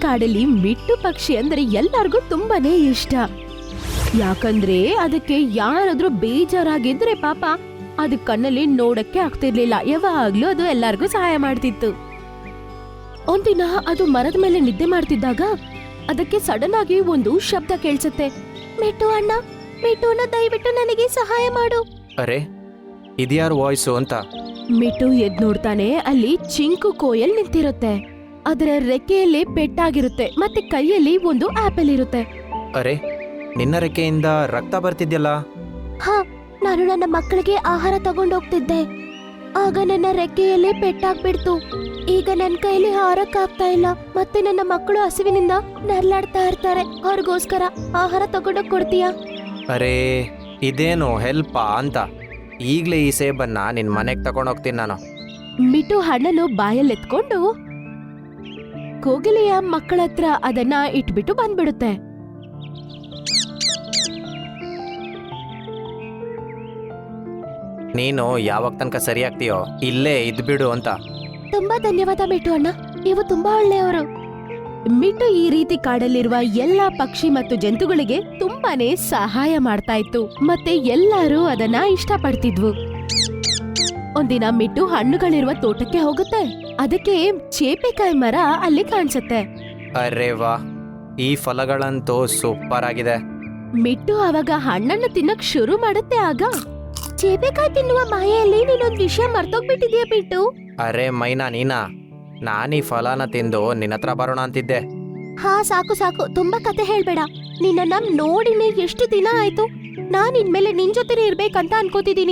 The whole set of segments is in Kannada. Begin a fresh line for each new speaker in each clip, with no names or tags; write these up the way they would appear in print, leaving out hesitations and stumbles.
ಕಾಡಲ್ಲಿ ಮಿಟ್ಟು ಪಕ್ಷಿ ಅಂದ್ರೆ ಎಲ್ಲರಿಗೂ ತುಂಬಾನೇ ಇಷ್ಟ. ಯಾಕಂದ್ರೆ ಅದಕ್ಕೆ ಯಾರಾದ್ರೂ ಬೇಜಾರಾಗಿದ್ರೆ ಪಾಪ ಅದ್ ಕಣ್ಣಲ್ಲಿ ನೋಡಕ್ಕೆ ಆಗ್ತಿರ್ಲಿಲ್ಲ. ಯಾವಾಗ್ಲೂ ಅದು ಎಲ್ಲರಿಗೂ ಸಹಾಯ ಮಾಡ್ತಿತ್ತು. ಒಂದಿನ ಅದು ಮರದ ಮೇಲೆ ನಿದ್ದೆ ಮಾಡ್ತಿದ್ದಾಗ ಅದಕ್ಕೆ ಸಡನ್ ಆಗಿ ಒಂದು ಶಬ್ದ ಕೇಳಿಸುತ್ತೆ. ಮಿಟ್ಟು ಅಣ್ಣ, ಮಿಟ್ಟು ಅಣ್ಣ, ದಯವಿಟ್ಟು ನನಗೆ ಸಹಾಯ ಮಾಡು.
ಅರೆ ಇದ್ಯಾರು ವಾಯ್ಸು ಅಂತ
ಮಿಟ್ಟು ಎದ್ ನೋಡ್ತಾನೆ. ಅಲ್ಲಿ ಚಿಂಕು ಕೋಯಲ್ ನಿಂತಿರುತ್ತೆ. ಅದರ ರೆಕ್ಕೆಯಲ್ಲಿ ಪೆಟ್ಟಾಗಿರುತ್ತೆ ಮತ್ತೆ ಕೈಯಲ್ಲಿ ಒಂದು ಆಪಲ್ ಇರುತ್ತೆ.
ಅರೆ ನಿನ್ನ ರೆಕ್ಕೆಯಿಂದ ರಕ್ತ ಬರ್ತಿದ್ಯಲ್ಲ.
ಹಾ, ನಾನು ನನ್ನ ಮಕ್ಕಳಿಗೆ ಆಹಾರ ತಗೊಂಡೋಗ್ತಿದ್ದೆ. ಆಗ ನನ್ನ ರೆಕ್ಕೆಯಲ್ಲಿ ಪೆಟ್ಟಾಗ್ಬಿಡ್ತು. ಈಗ ನನ್ನ ಕೈಯಲ್ಲಿ ಹಾರಕ್ಕಾಗ್ತಾ ಇಲ್ಲ. ಮತ್ತೆ ನನ್ನ ಮಕ್ಕಳು ಹಸಿವಿನಿಂದ ನರ್ಲಾಡ್ತಾ ಇರ್ತಾರೆ. ಅವ್ರಿಗೋಸ್ಕರ ಆಹಾರ ತಗೊಂಡೋಗ್ ಕೊಡ್ತೀಯಾ?
ಅರೆ ಇದೇನು ಹೆಲ್ಪಾ ಅಂತ. ಈಗ್ಲೇ ಈ ಸೇಬನ್ನ ನಿನ್ ಮನೆಗ್ ತಗೊಂಡೋಗ್ತೀನಿ ನಾನು.
ಮಿಟ್ಟು ಹಣ್ಣನ್ನು ಬಾಯಲ್ಲಿ ಎತ್ಕೊಂಡು ಕೋಗಿಲೆಯ ಮಕ್ಕಳ ಹತ್ರ ಅದನ್ನ ಇಟ್ಬಿಟ್ಟು ಬಂದ್ಬಿಡುತ್ತೆ.
ನೀನು ಯಾವಾಗ ತನಕ ಸರಿ ಆಗ್ತೀಯೋ ಇಲ್ಲೇ ಇದ್ಬಿಡು ಅಂತ.
ತುಂಬಾ ಧನ್ಯವಾದ ಮಿಟ್ಟು ಅಣ್ಣ, ನೀವು ತುಂಬಾ ಒಳ್ಳೆಯವರು. ಮಿಟ್ಟು ಈ ರೀತಿ ಕಾಡಲ್ಲಿರುವ ಎಲ್ಲಾ ಪಕ್ಷಿ ಮತ್ತು ಜಂತುಗಳಿಗೆ ತುಂಬಾನೇ ಸಹಾಯ ಮಾಡ್ತಾ ಇತ್ತು ಮತ್ತೆ ಎಲ್ಲರೂ ಅದನ್ನ ಇಷ್ಟಪಡ್ತಿದ್ವು. ಒಂದಿನ ಮಿಟ್ಟು ಹಣ್ಣುಗಳಿರುವ ತೋಟಕ್ಕೆ ಹೋಗುತ್ತೆ. ಅದಕ್ಕೆ ಚೇಪೆಕಾಯಿ ಮರ ಅಲ್ಲಿ ಕಾಣಿಸುತ್ತೆ.
ಅರೆ ವಾ, ಈ ಫಲಗಳಂತೂ ಸೂಪರ್ ಆಗಿದೆ.
ಮಿಟ್ಟು ಅವಾಗ ಹಣ್ಣನ್ನು ತಿನ್ನಕ್ ಶುರು ಮಾಡುತ್ತೆ. ಆಗ ಚೇಪೆಕಾಯಿ ತಿನ್ನುವ ಮಾಯೆಯಲ್ಲಿ ನೀನೊಂದ್ ವಿಷಯ ಮರ್ತೋಗ್ಬಿಟ್ಟಿದ್ಯಾ ಮಿಟ್ಟು.
ಅರೆ ಮೈನಾ ನೀನಾ, ನಾನೀ ಫಲನ ತಿಂದು ನಿನ್ನ ಹತ್ರ ಬರೋಣ ಅಂತಿದ್ದೆ.
ಹಾ, ಸಾಕು ಸಾಕು, ತುಂಬಾ ಕತೆ ಹೇಳ್ಬೇಡ. ನಿನ್ನ ನೋಡಿನೇ ಎಷ್ಟು ದಿನ ಆಯ್ತು. ನಾನ್ ಇನ್ಮೇಲೆ ನಿನ್ ಜೊತೆ ಇರ್ಬೇಕಂತ ಅನ್ಕೋತಿದೀನಿ.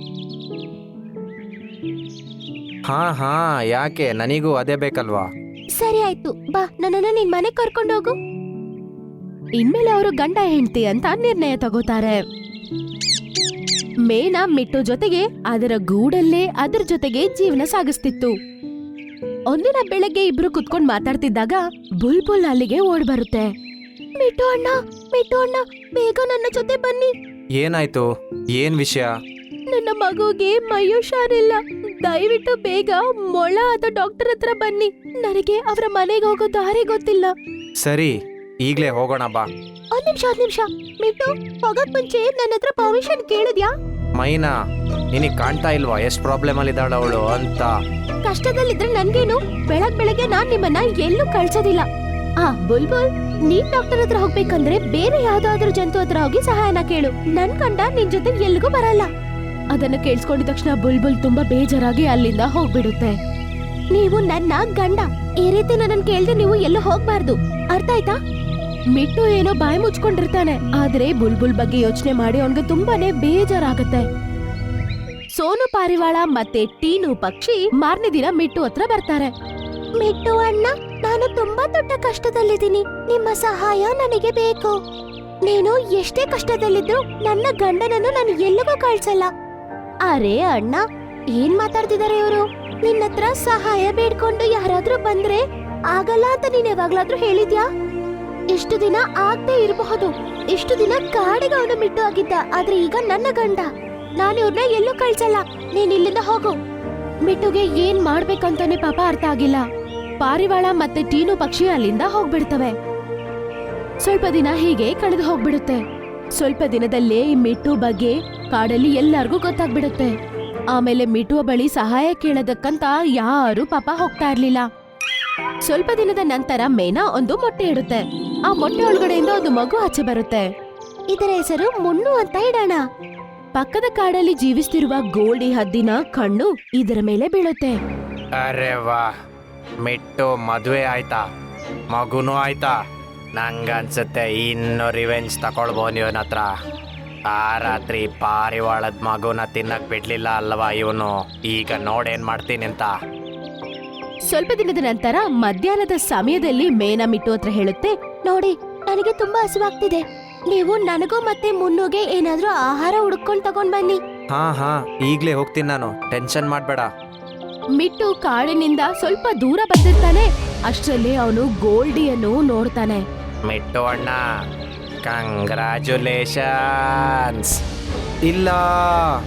ಹಾ ಹಾ, ಯಾಕೆ, ನನಗೂ ಅದೇ ಬೇಕಲ್ವಾ.
ಸರಿ ಆಯ್ತು, ಬಾ, ನನ್ನನ್ನ ನಿನ್ ಮನೆಗ್ ಕರ್ಕೊಂಡೋಗು. ಇನ್ಮೇಲೆ ಅವರು ಗಂಡ ಹೆಂಡತಿ ಅಂತ ನಿರ್ಣಯ ತಗೋತಾರೆ. ಮೇನಾ ಮಿಟ್ಟು ಜೊತೆಗೆ ಅದರ ಗೂಡಲ್ಲೇ ಅದರ ಜೊತೆಗೆ ಜೀವನ ಸಾಗಿಸ್ತಿತ್ತು. ಒಂದಿನ ಬೆಳಗ್ಗೆ ಇಬ್ರು ಕುತ್ಕೊಂಡ್ ಮಾತಾಡ್ತಿದ್ದಾಗ ಬುಲ್ಬುಲ್ ಅಲ್ಲಿಗೆ ಓಡ್ ಬರುತ್ತೆ. ಮಿಟ್ಟು ಅಣ್ಣ, ಮಿಟ್ಟು ಅಣ್ಣ, ಬೇಗ ನನ್ನ ಜೊತೆ ಬನ್ನಿ.
ಏನಾಯ್ತು, ಏನ್ ವಿಷಯ?
ನನ್ನ ಮಗುಗೆ ಮೈ ಹುಷಾರಿಲ್ಲ. ದಯವಿಟ್ಟು ಬೇಗ ಮೊಳ ಅಥವಾ ಡಾಕ್ಟರ್ ಹತ್ರ ಬನ್ನಿ. ನನಗೆ ಅವರ ಮನೆಗೆ ಹೋಗೋ ದಾರಿ ಗೊತ್ತಿಲ್ಲ.
ಸರಿ, ಈಗ್ಲೇ ಹೋಗೋಣ ಬಾ.
ಒಂದ್ ನಿಮಿಷ ಮಿಟ್ಟು, ಹೋಗಕ್ ಮುಂಚೆ ನನ್ನ ಹತ್ರ ಪರ್ಮಿಷನ್ ಕೇಳಿದ್ಯಾ?
ಮೈನಾ, ನಿನಗ್ ಕಾಣ್ತಾ ಇಲ್ವಾ ಎಷ್ಟ್ ಪ್ರಾಬ್ಲಮ್ ಅಲ್ಲಿದ್ದಾಳ ಅವಳು ಅಂತ?
ಕಷ್ಟದಲ್ಲಿದ್ರೆ ನನ್ಗೇನು, ಬೆಳಗ್ಗೆ ನಾನ್ ನಿಮ್ಮನ್ನ ಎಲ್ಲೂ ಕಳ್ಸೋದಿಲ್ಲ. ಬುಲ್ಬುಲ್, ನೀನ್ ಡಾಕ್ಟರ್ ಹತ್ರ ಹೋಗ್ಬೇಕಂದ್ರೆ ಬೇರೆ ಯಾವ್ದಾದ್ರು ಜಂತು ಹತ್ರ ಹೋಗಿ ಸಹಾಯನ ಕೇಳು. ನನ್ ಗಂಡ ನಿನ್ ಜೊತೆ ಎಲ್ಗೂ ಬರಲ್ಲ. ಅದನ್ನ ಕೇಳಿಸ್ಕೊಂಡಿದ ತಕ್ಷಣ ಬುಲ್ಬುಲ್ ತುಂಬಾ ಬೇಜಾರಾಗಿ ಅಲ್ಲಿಂದ ಹೋಗ್ಬಿಡುತ್ತೆ. ನೀವು ನನ್ನ ಗಂಡ, ಈ ರೀತಿ ನನ್ನನ್ ಕೇಳ್ದೆ ನೀವು ಎಲ್ಲೂ ಹೋಗ್ಬಾರ್ದು, ಅರ್ಥ ಆಯ್ತಾ? ಮಿಟ್ಟು ಏನೋ ಬಾಯಿ ಮುಚ್ಕೊಂಡಿರ್ತಾನೆ. ಆದ್ರೆ ಬುಲ್ಬುಲ್ ಬಗ್ಗೆ ಯೋಚನೆ ಮಾಡಿ ಅವನ್ಗೆ ತುಂಬಾನೇ ಬೇಜಾರಾಗತ್ತೆ. ಸೋನು ಪಾರಿವಾಳ ಮತ್ತೆ ಟೀನು ಪಕ್ಷಿ ಮಾರನೇ ದಿನ ಮಿಟ್ಟು ಹತ್ರ ಬರ್ತಾರೆ. ಮಿಟ್ಟು ಅಣ್ಣ, ನಾನು ತುಂಬಾ ದೊಡ್ಡ ಕಷ್ಟದಲ್ಲಿದ್ದೀನಿ. ನಿಮ್ಮ ಸಹಾಯ ನನಗೆ ಬೇಕು. ನೀನು ಎಷ್ಟೇ ಕಷ್ಟದಲ್ಲಿದ್ರು ನನ್ನ ಗಂಡನನ್ನು ನಾನು ಎಲ್ಲಿಗೂ ಕಳ್ಸಲ್ಲ. ಅರೆ ಅಣ್ಣ, ಏನ್ ಮಾತಾಡ್ತಿದಾರೆ ಇವರು? ನಿನ್ನತ್ರ ಸಹಾಯ ಬೇಡ್ಕೊಂಡು ಯಾರಾದ್ರೂ ಬಂದ್ರೆ ಆಗಲ್ಲ ಅಂತ ನೀನ್ ಯಾವಾಗ್ಲಾದ್ರೂ ಹೇಳಿದ್ಯಾ? ಇಷ್ಟು ದಿನ ಆಗದೆ ಇರಬಹುದು. ಇಷ್ಟು ದಿನ ಕಾಡಿಗೆ ಅವನು ಮಿಟ್ಟು ಆಗಿದ್ದ. ಆದ್ರೆ ಈಗ ನನ್ನ ಗಂಡ. ನಾನು ಇವ್ರನ್ನ ಎಲ್ಲೂ ಕಳ್ಸಲ್ಲ. ನೀನ್ ಇಲ್ಲಿಂದ ಹೋಗು. ಮಿಟ್ಟುಗೆ ಏನ್ ಮಾಡ್ಬೇಕಂತಾನೆ ಪಾಪ ಅರ್ಥ ಆಗಿಲ್ಲ. ಪಾರಿವಾಳ ಮತ್ತೆ ಟೀನು ಪಕ್ಷಿ ಅಲ್ಲಿಂದ ಹೋಗ್ಬಿಡ್ತವೆ. ಸ್ವಲ್ಪ ದಿನ ಹೀಗೆ ಕಳೆದು ಹೋಗ್ಬಿಡುತ್ತೆ. ಸ್ವಲ್ಪ ದಿನದಲ್ಲೇ ಈ ಮಿಟ್ಟು ಬಗ್ಗೆ ಕಾಡಲ್ಲಿ ಎಲ್ಲರಿಗೂ ಗೊತ್ತಾಗ್ಬಿಡುತ್ತೆ. ಆಮೇಲೆ ಮಿಟ್ಟುವ ಬಳಿ ಸಹಾಯ ಕೇಳೋದಕ್ಕಂತ ಯಾರು ಪಾಪ ಹೋಗ್ತಾ ಇರ್ಲಿಲ್ಲ. ಸ್ವಲ್ಪ ದಿನದ ನಂತರ ಮೇನಾ ಒಂದು ಮೊಟ್ಟೆ ಇಡುತ್ತೆ. ಆ ಮೊಟ್ಟೆ ಒಳಗಡೆಯಿಂದ ಒಂದು ಮಗು ಆಚೆ ಬರುತ್ತೆ. ಇದರ ಹೆಸರು ಮುನ್ನು ಅಂತ ಇಡೋಣ. ಪಕ್ಕದ ಕಾಡಲ್ಲಿ ಜೀವಿಸ್ತಿರುವ ಗೋಲ್ಡಿ ಹದ್ದಿನ ಕಣ್ಣು ಇದರ ಮೇಲೆ ಬೀಳುತ್ತೆ.
ಅರೆ ವಾ, ಮಿಟ್ಟು ಮದ್ವೆ ಆಯ್ತಾ, ಮಗುನೂ ಆಯ್ತಾ. ನಂಗನ್ಸುತ್ತೆ ಇನ್ನು ರಿವೆಂಜ್ ತಕೊಳ್ಬೋದು ಇವನ ಹತ್ರ. ಆ ರಾತ್ರಿ ಪಾರಿವಾಳದ ಮಗುನ ತಿನ್ನಕ್ ಬಿಡ್ಲಿಲ್ಲ ಅಲ್ವಾ ಇವನು. ಈಗ ನೋಡೇನ್ ಮಾಡ್ತೀನಿ ಅಂತ.
ಸ್ವಲ್ಪ ದಿನದ ನಂತರ ಮಧ್ಯಾಹ್ನದ ಸಮಯದಲ್ಲಿ ಮೇನಾ ಮಿಟ್ಟು ಹತ್ರ ಹೇಳುತ್ತೆ, ನೋಡಿ, ನನಗೆ ತುಂಬಾ ಹಸಿವಾಗ್ತಿದೆ. ನೀವು ನನಗೂ ಮತ್ತೆ ಮುನ್ನುಗೆ ಏನಾದ್ರೂ ಆಹಾರ ಹುಡ್ಕೊಂಡ್ ತಗೊಂಡ್ ಬನ್ನಿ.
ಹಾ, ಈಗ್ಲೇ ಹೋಗ್ತೀನಿ ನಾನು, ಟೆನ್ಷನ್ ಮಾಡ್ಬೇಡ.
ಮಿಟ್ಟು ಕಾಡಿನಿಂದ ಸ್ವಲ್ಪ ದೂರ ಬಂದಿರ್ತಾನೆ. ಅಷ್ಟರಲ್ಲಿ ಅವನು ಗೋಲ್ಡಿಯನ್ನು ನೋಡ್ತಾನೆ.
ಮಿಟ್ಟು ಅಣ್ಣ, ಕಂಗ್ರಾಚುಲೇಷನ್ಸ್. ಇಲ್ಲ,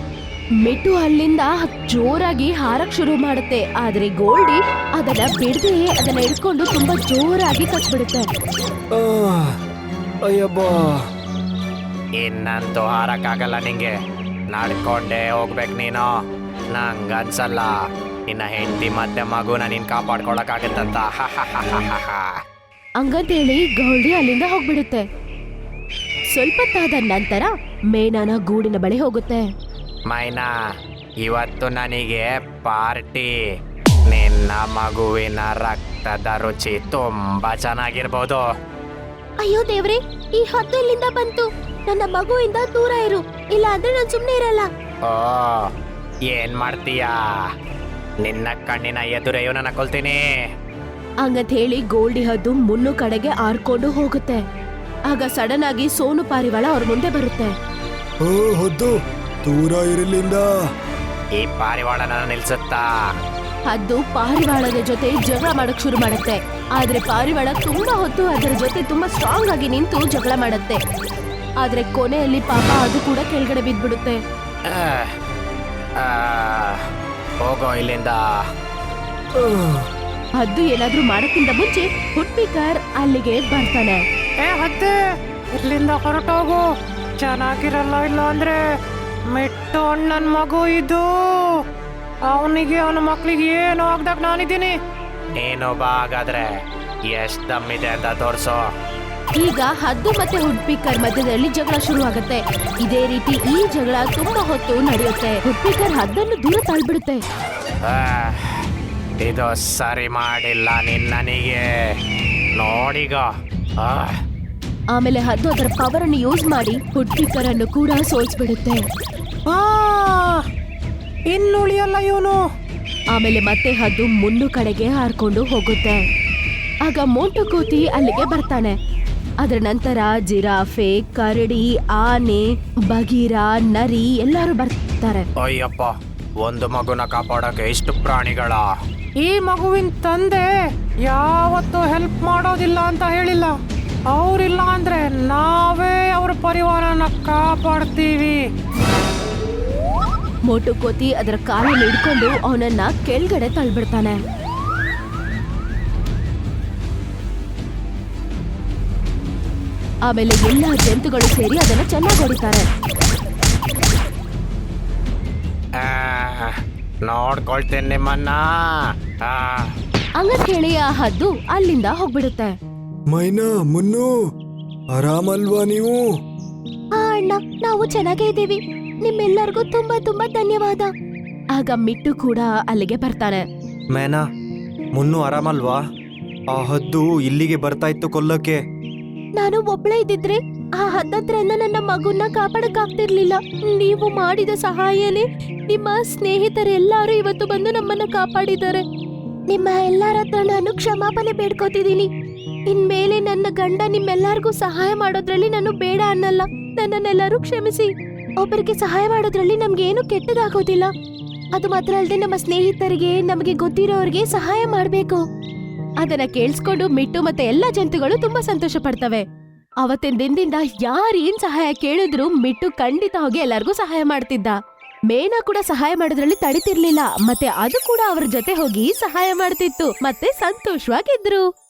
ಮಿಟ್ಟು ಅಲ್ಲಿಂದ ಜೋರಾಗಿ ಹಾರಕ್ ಶುರು ಮಾಡುತ್ತೆ. ಆದ್ರೆ ಗೋಲ್ಡಿ ಅದನ್ನ ಬಿಡದೆ ಅದನ್ನ ಹಿಡ್ಕೊಂಡು ತುಂಬಾ ಜೋರಾಗಿ ಕಚ್ಬಿಡುತ್ತೆ.
ಅಯ್ಯಬ್ಬಾ.
ಇನ್ನಂತೂ ಹಾರಕ್ಕಾಗಲ್ಲ ನಿಂಗೆ, ನಡ್ಕೊಂಡೇ ಹೋಗ್ಬೇಕು ನೀನು. ನಂಗನ್ಸಲ್ಲ ನಿನ್ನ ಹೆಂಡತಿ ಮತ್ತೆ ಮಗುನ ನೀನ್ ಕಾಪಾಡ್ಕೊಳಕ್ಕಾಗತ್ತಂತ.
ಹಂಗಂತೇಳಿ ಗೋಲ್ಡಿ ಅಲ್ಲಿಂದ ಹೋಗ್ಬಿಡುತ್ತೆ. ಸ್ವಲ್ಪ ತಾದ ನಂತರ ಮೇನನ ಗೂಡಿನ ಬಳಿ ಹೋಗುತ್ತೆ.
ಮೈನಾ, ಇವತ್ತು ನನಗೆ ಪಾರ್ಟಿ. ನಿನ್ನ ಮಗುವಿನ ರಕ್ತದ ರುಚಿ ತುಂಬಾ ಚೆನ್ನಾಗಿರ್ಬೋದು.
ಅಯ್ಯೋ ದೇವ್ರೆ, ಈ ಹದ್ದು ಇಲ್ಲಿಂದ ಬಂತು. ನನ್ನ ಮಗುವಿಂದ ದೂರ ಇರು, ಇಲ್ಲ ಅಂದ್ರೆ ನಾನು ಸುಮ್ನೆ ಇರಲ್ಲ.
ಓ, ಏನ್ ಮಾಡ್ತೀಯಾ? ನಿನ್ನ ಕಣ್ಣಿನ ಎದುರೆಯೂ ನನ್ನ ಕೊಲ್ತೀನಿ.
ಹಂಗಂತ ಹೇಳಿ ಗೋಲ್ಡಿ ಹದ್ದು ಮುನ್ನು ಕಡೆಗೆ ಆರ್ಕೊಂಡು ಹೋಗುತ್ತೆ. ಆಗ ಸಡನ್ ಆಗಿ ಸೋನು ಪಾರಿವಾಳ ಅವ್ರ ಮುಂದೆ ಬರುತ್ತೆ.
ಓ ಹೊದ್ದು, ದೂರ ಇರಲಿಂದ.
ಈ ಪಾರಿವಾಳನ ನಿಲ್ಸುತ್ತಾ?
ಹದ್ದು ಪಾರಿವಾಳದ ಜೊತೆ ಜಗಳ ಮಾಡಕ್ ಶುರು ಮಾಡುತ್ತೆ. ಆದ್ರೆ ಪಾರಿವಾಳ ತುಂಬಾ ಹೊತ್ತು ಅದರ ಜೊತೆ ತುಂಬಾ ಸ್ಟ್ರಾಂಗ್ ಆಗಿ ನಿಂತು ಜಗಳ ಮಾಡುತ್ತೆ. ಆದ್ರೆ ಕೊನೆಯಲ್ಲಿ ಪಾಪ ಅದು ಕೂಡ ಕೆಳಗಡೆ ಬಿದ್ದ್ಬಿಡುತ್ತೆ.
ಹೋಗೋ ಇಲ್ಲಿಂದ.
ಹದ್ದು ಏನಾದ್ರೂ ಮಾಡಕ್ಕಿಂತ ಮುಂಚೆ ಹುಟ್ಪಿಕರ್ ಅಲ್ಲಿಗೆ ಬರ್ತಾನೆ.
ಹತ್ತೆ, ಇಲ್ಲಿಂದ ಹೊರಟೋಗು. ಚೆನ್ನಾಗಿರಲ್ಲ, ಇಲ್ಲ ಅಂದ್ರೆ ಮಿಟ್ಟು ಅಣ್ಣನ್ ಮಗು ಇದು. ಅವನಿಗೆ ಅವನ ಮಕ್ಳಿಗೆ ಏನು ಆಗ್ದಾಗ ನಾನಿದ್ದೀನಿ. ನೀನು ಬಾ, ಹಾಗಾದ್ರೆ ಎಷ್ಟ್ ದಮ್ಮಿದೆ ಅಂತ ತೋರ್ಸೋ.
ಈಗ ಹದ್ದು ಮತ್ತೆ ಹುಡ್ಪಿಕರ್ ಮಧ್ಯದಲ್ಲಿ ಜಗಳ ಶುರುವಾಗುತ್ತೆ. ಇದೇ ರೀತಿ ಈ ಜಗಳ ತುಂಬಾ ಹೊತ್ತು ನಡೆಯುತ್ತೆ. ಹುಡ್ಪಿಕರ್ ಹದ್ದನ್ನು ದೂರ ತಳ್ಬಿಡುತ್ತೆ.
ಇದು ಸರಿ ಮಾಡಿಲ್ಲ ನೀನ್ ನನಗೆ. ನೋಡಿಗ.
ಆಮೇಲೆ ಹದ್ದು ಅದರ ಪವರ್ ಅನ್ನು ಯೂಸ್ ಮಾಡಿ ಹುಡ್ಪಿಕರ್ ಅನ್ನು ಕೂಡ ಸೋಲ್ಸ್ಬಿಡುತ್ತೆ.
ಇನ್ನುಳಿಯಲ್ಲ ಇವನು.
ಆಮೇಲೆ ಮತ್ತೆ ಹದ್ದು ಮುನ್ನು ಕಡೆಗೆ ಹಾರ್ಕೊಂಡು ಹೋಗುತ್ತೆ. ಆಗ ಮೋಂಟು ಕೋತಿ ಅಲ್ಲಿಗೆ ಬರ್ತಾನೆ. ಅದರ ನಂತರ ಜಿರಾಫೆ, ಕರಡಿ, ಆನೆ, ಬಗೀರ, ನರಿ ಎಲ್ಲರೂ ಬರ್ತಾರೆ.
ಅಯ್ಯಪ್ಪ, ಒಂದು ಮಗುನ ಕಾಪಾಡಕ್ಕೆ ಇಷ್ಟು ಪ್ರಾಣಿಗಳ? ಈ ಮಗುವಿನ ತಂದೆ ಯಾವತ್ತೂ ಹೆಲ್ಪ್ ಮಾಡೋದಿಲ್ಲ ಅಂತ ಹೇಳಿಲ್ಲ. ಅವ್ರಿಲ್ಲ ಅಂದ್ರೆ ನಾವೇ ಅವ್ರ ಪರಿವಾರನ ಕಾಪಾಡ್ತೀವಿ.
ಮೋಟು ಕೋತಿ ಅದರ ಕಾಲನ್ನು ಹಿಡ್ಕೊಂಡು ಅವನನ್ನ ಕೆಳಗಡೆ ತಳ್ಬಿಡ್ತಾನೆ. ಆಮೇಲೆ ಎಲ್ಲಾ ಜಂತುಗಳು ಸೇರಿ ಅದನ್ನ ಚೆನ್ನಾಗಿ ಹೊಡಿತಾರೆ.
ನೋಡ್ಕೊಳ್ತೇನೆ ನಿಮ್ಮನ್ನ.
ಹಂಗಂತ ಹೇಳಿ ಆ ಹದ್ದು ಅಲ್ಲಿಂದ ಹೋಗ್ಬಿಡುತ್ತೆ.
ಮೈನಾ, ಮುನ್ನು, ಆರಾಮಲ್ವಾ ನೀವು?
ಅಣ್ಣ, ನಾವು ಚೆನ್ನಾಗೇ ಇದ್ದೀವಿ. ನಿಮ್ಮೆಲ್ಲರಿಗೂ ತುಂಬಾ ತುಂಬಾ ಧನ್ಯವಾದ. ಆಗ ಮಿಟ್ಟು ಕೂಡ ಅಲ್ಲಿಗೆ ಬರ್ತಾನೆ.
ಮೇನಾ, ಮುನ್ನು ಆರಾಮಲ್ವಾ? ಆ ಹದ್ದು ಇಲ್ಲಿಗೆ ಬರ್ತಾ ಇತ್ತು ಕೊಲ್ಲಕ್ಕೆ.
ನಾನು ಒಬ್ಳೇ ಇದ್ದಿದ್ರೆ ಆ ಹತ್ತತ್ರನ್ನ ನನ್ನ ಮಗುನ ಕಾಪಾಡಕ್ಕಾಗ್ತಿರ್ಲಿಲ್ಲ. ನೀವು ಮಾಡಿದ ಸಹಾಯನೇ ನಿಮ್ಮ ಸ್ನೇಹಿತರೆಲ್ಲರೂ ಇವತ್ತು ಬಂದು ನಮ್ಮನ್ನ ಕಾಪಾಡಿದ್ದಾರೆ. ನಿಮ್ಮ ಎಲ್ಲರ ಹತ್ರ ನಾನು ಕ್ಷಮಾಪಣೆ ಬೇಡ್ಕೋತಿದ್ದೀನಿ. ಇನ್ಮೇಲೆ ನನ್ನ ಗಂಡ ನಿಮ್ಮೆಲ್ಲರಿಗೂ ಸಹಾಯ ಮಾಡೋದ್ರಲ್ಲಿ ನಾನು ಬೇಡ ಅನ್ನಲ್ಲ. ನನ್ನನ್ನೆಲ್ಲರೂ ಕ್ಷಮಿಸಿ. ಒಬ್ಬರಿಗೆ ಸಹಾಯ ಮಾಡೋದ್ರಲ್ಲಿ ನಮ್ಗೇನು ಕೆಟ್ಟದಾಗೋದಿಲ್ಲ. ಅದು ಮಾತ್ರ ಅಲ್ಲದೆ ನಮ್ಮ ಸ್ನೇಹಿತರಿಗೆ, ನಮಗೆ ಗೊತ್ತಿರೋರಿಗೆ ಸಹಾಯ ಮಾಡ್ಬೇಕು. ಅದನ್ನ ಕೇಳಿಸ್ಕೊಂಡು ಮಿಟ್ಟು ಮತ್ತೆ ಎಲ್ಲಾ ಜಂತುಗಳು ತುಂಬಾ ಸಂತೋಷ ಪಡ್ತವೆ. ಅವತ್ತಿನ ದಿನದಿಂದ ಯಾರೇನ್ ಸಹಾಯ ಕೇಳಿದ್ರು ಮಿಟ್ಟು ಖಂಡಿತ ಹೋಗಿ ಎಲ್ಲರಿಗೂ ಸಹಾಯ ಮಾಡ್ತಿದ್ದ. ಮೇನಾ ಕೂಡ ಸಹಾಯ ಮಾಡೋದ್ರಲ್ಲಿ ತಡಿತಿರ್ಲಿಲ್ಲ. ಮತ್ತೆ ಅದು ಕೂಡ ಅವ್ರ ಜೊತೆ ಹೋಗಿ ಸಹಾಯ ಮಾಡ್ತಿತ್ತು. ಮತ್ತೆ ಸಂತೋಷವಾಗಿದ್ರು.